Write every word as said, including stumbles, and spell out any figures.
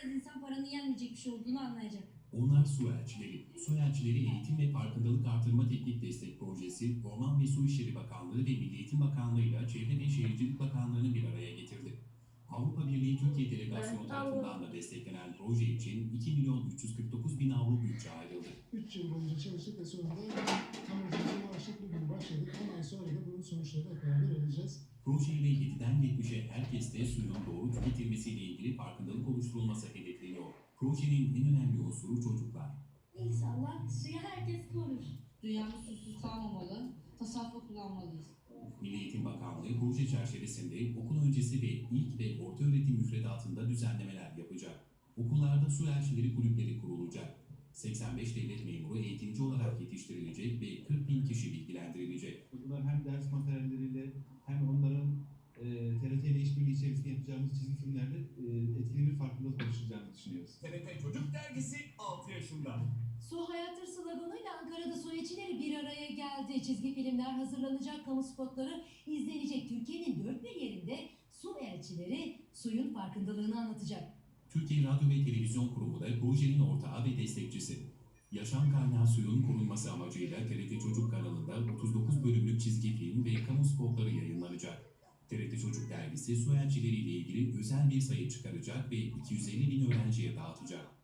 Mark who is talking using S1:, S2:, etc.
S1: kez insan paranın yenmeyecek bir şey olduğunu anlayacak.
S2: Onlar su elçileri. Su elçileri eğitim ve farkındalık artırma teknik destek projesi, Orman ve Su İşleri Bakanlığı ve Milli Eğitim Bakanlığı ile Çevre ve Şehircilik Bakanlığı'nı bir araya getirdi. Avrupa Birliği Türkiye Delegasyonu tarafından da desteklenen proje için iki milyon üç yüz kırk dokuz bin avro bütçe ayrıldı.
S3: üç yıl boyunca çalıştık ve sonunda amacımıza ulaştık. Bugün başladık. on ay sonra da bunun sonuçlarını hep beraber alacağız.
S2: Projeyle yediden yetmişe herkeste suyun doğru tüketilmesiyle ilgili farkındalık oluşturulması hedefleniyor. Projenin en önemli unsuru çocuklar.
S1: İnşallah suyu herkes korur.
S4: Dünyamız susuz kalmamalı, tasarruflu kullanmalıyız.
S2: Milli Eğitim Bakanlığı proje çerçevesinde okul öncesi ve ilk ve orta öğretim müfredatında düzenlemeler yapacak. Okullarda su elçileri kulüpleri kurulacak. seksen beş devlet memuru eğitimci olarak yetiştirilecek ve kırk bin kişi bilgilendirilecek.
S5: Bunlar hem ders materyalleriyle hem onların e, T R T ile işbirliği içerisinde yapacağımız çizgi filmlerle e, etkili bir farkındalık oluşturacağını düşünüyoruz.
S6: T R T Çocuk Dergisi altı yaşında.
S7: Su hayattır sloganıyla Ankara'da su elçileri bir araya geldi. Çizgi filmler hazırlanacak, kamu spotları izlenecek. Türkiye'nin dört bir yerinde su elçileri suyun farkındalığını anlatacak.
S2: Türkiye Radyo ve Televizyon Kurumu da projenin ortağı ve destekçisi. Yaşam kaynağı suyun korunması amacıyla T R T Çocuk kanalında otuz dokuz bölümlük çizgi film ve kamu spotları yayınlanacak. T R T Çocuk Dergisi su elçileriyle ilgili özel bir sayı çıkaracak ve iki yüz elli bin öğrenciye dağıtacak.